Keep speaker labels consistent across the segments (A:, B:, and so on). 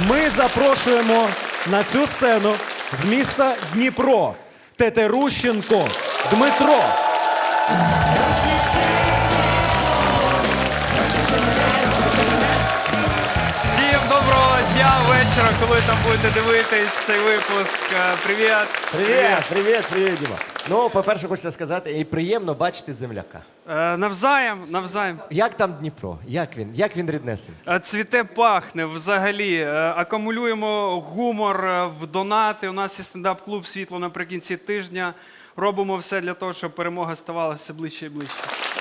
A: Ми запрошуємо на цю сцену з міста Дніпро Тетерущенко Дмитро.
B: Всім доброго дня, вечора, коли там будете дивитись цей випуск. Привіт.
C: Привіт, Діма. Ну, по-перше, хочеться сказати, і приємно бачити земляка.
B: Навзаєм.
C: Як там Дніпро? Як він ріднесень?
B: Цвіте, пахне взагалі. Акумулюємо гумор в донати. У нас є стендап-клуб «Світло» наприкінці тижня. Робимо все для того, щоб перемога ставала все ближче і ближче.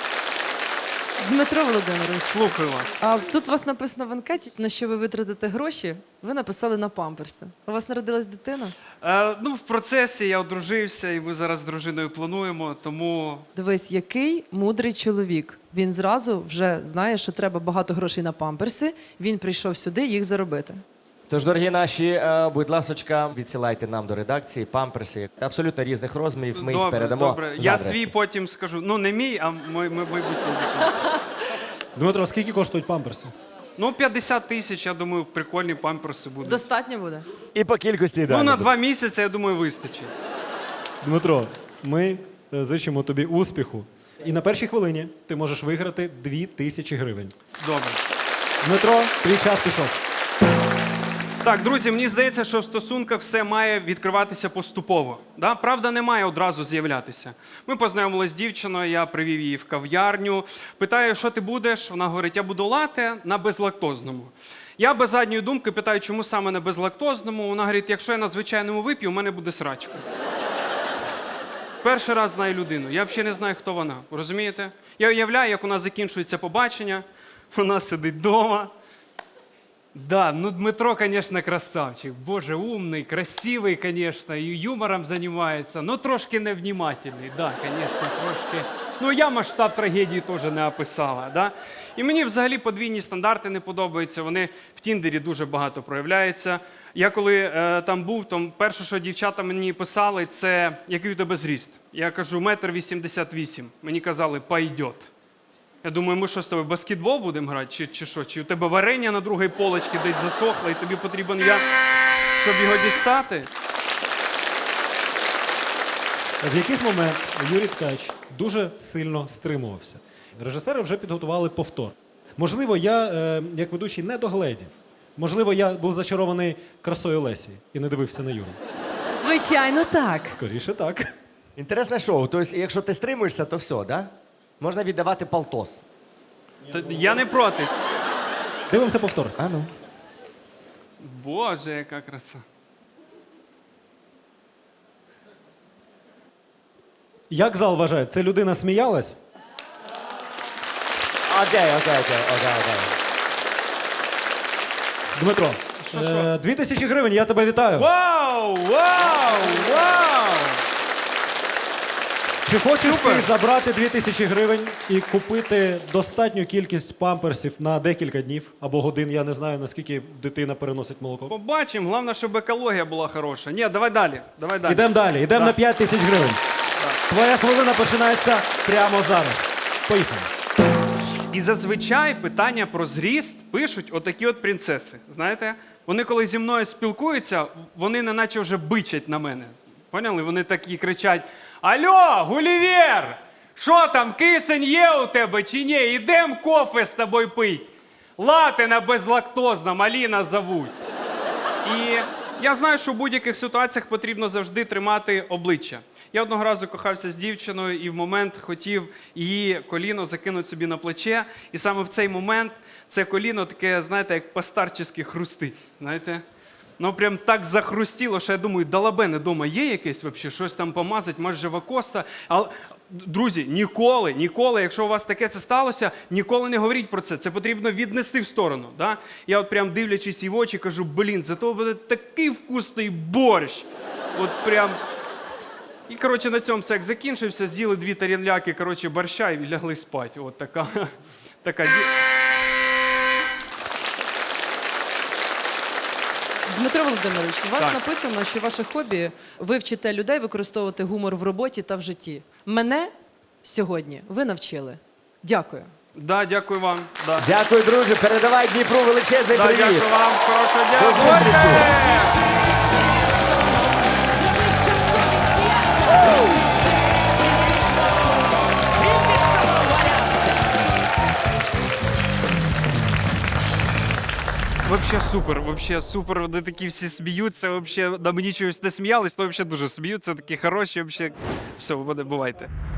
D: Дмитро Володимирович,
B: Слухаю вас.
D: а тут у вас написано в анкеті, на що ви витратите гроші, ви написали на памперси. У вас народилась дитина?
B: В процесі я одружився, і ми зараз з дружиною плануємо, тому...
D: Дивись, який мудрий чоловік. Він зразу вже знає, що треба багато грошей на памперси, він прийшов сюди їх заробити.
C: Тож, дорогі наші, будь ласочка, відсилайте нам до редакції памперси абсолютно різних розмірів. Ми їх передамо.
B: Добре.
C: за
B: Я
C: адресою.
B: свій потім скажу. Ну, не мій, а майбутній.
A: Дмитро, скільки коштують памперси?
B: 50 тисяч, я думаю, прикольні памперси будуть.
D: Достатньо буде?
C: І по кількості далі.
B: На 2 місяці, я думаю, вистачить.
A: Дмитро, ми зичимо тобі успіху. І на першій хвилині ти можеш виграти 2000 гривень.
B: Добре.
A: Дмитро, твій час пішов.
B: Так, друзі, мені здається, що в стосунках все має відкриватися поступово. Да? Правда не має одразу з'являтися. Ми познайомилися з дівчиною, я привів її в кав'ярню. Питаю, що ти будеш? Вона говорить, я буду лате на безлактозному. Я без задньої думки питаю, чому саме на безлактозному. Вона говорить, якщо я на звичайному вип'ю, у мене буде срачка. Перший раз знаю людину, я взагалі не знаю, хто вона. Розумієте? Я уявляю, як у нас закінчується побачення, вона сидить вдома. Да, Дмитро, конечно, красавчик. Боже, умный, красивый, конечно, и юмором занимается, но трошки невнімательний. Да, конечно, трошки. Я масштаб трагедії теж не описала, да? І мені взагалі подвійні стандарти не подобаються, вони в Тіндері дуже багато проявляються. Я коли там був, то перше, що дівчата мені писали, це який у тебе зріст. Я кажу, 1,88 м. Мені казали, пойдет. Я думаю, ми що з тобою, баскетбол будемо грати, чи що? Чи у тебе варення на другій полочці десь засохло, і тобі потрібен я, щоб його дістати?
A: В якийсь момент Юрій Ткач дуже сильно стримувався. Режисери вже підготували повтор. Можливо, я, як ведучий, не догледів. Можливо, я був зачарований красою Лесі і не дивився на Юру.
D: Звичайно, так.
A: Скоріше так.
C: Інтересне шоу. Тобто, якщо ти стримуєшся, то все, да? Можна віддавати полтос.
B: Я не проти.
A: Дивимося повтор.
C: А ну.
B: Боже, яка краса.
A: Як зал вважає, це людина сміялась?
C: Окей.
A: Дмитро,
B: Що?
A: 2000 гривень, я тебе вітаю.
B: Вау!
A: Чи хочеш
B: Супер.
A: ти забрати 2000 гривень і купити достатню кількість памперсів на декілька днів або годин? Я не знаю, наскільки дитина переносить молоко.
B: Побачимо, головне, щоб екологія була хороша. Ні, давай далі.
A: Ідемо далі, ідемо на 5000 гривень. Твоя хвилина починається прямо зараз. Поїхали.
B: І зазвичай питання про зріст пишуть отакі от принцеси. Знаєте? Вони коли зі мною спілкуються, вони неначе вже бичать на мене. Поняли? Вони такі кричать: «Алло, Гулівер! Що там, кисень є у тебе чи ні? Ідем кофе з тобою пить. Лате на безлактозному, Аліна зовуть». І я знаю, що в будь-яких ситуаціях потрібно завжди тримати обличчя. Я одного разу кохався з дівчиною і в момент хотів її коліно закинути собі на плече. І саме в цей момент це коліно таке, знаєте, як по-старчески хрустить. Знаєте? Прям так захрустіло, що я думаю, далабене дома є якесь взагалі, щось там помазати, може Вакоста. Але, друзі, ніколи, якщо у вас таке це сталося, ніколи не говоріть про це. Це потрібно віднести в сторону. Да? Я от прям дивлячись їй в очі, кажу, зато буде такий вкусний борщ. От прям... І, на цьому секс закінчився, з'їли 2 тарілки, борща і лягли спати. От така...
D: Дмитро Володимирович, у вас
B: Так.
D: написано, що ваше хобі – ви вчите людей використовувати гумор в роботі та в житті. Мене сьогодні ви навчили. Дякую.
B: Да, дякую вам. Да.
C: Дякую, друже. Передавай Дніпру величезний
B: Да,
C: привіт.
B: дякую вам. Хорошого дня.
C: До зустрічі.
B: Бувайте! Вообще супер. Вони такі всі сміються, вообще на мені чогось не сміялись, то вообще дуже сміються, такі хороші, вообще. Все, бувайте.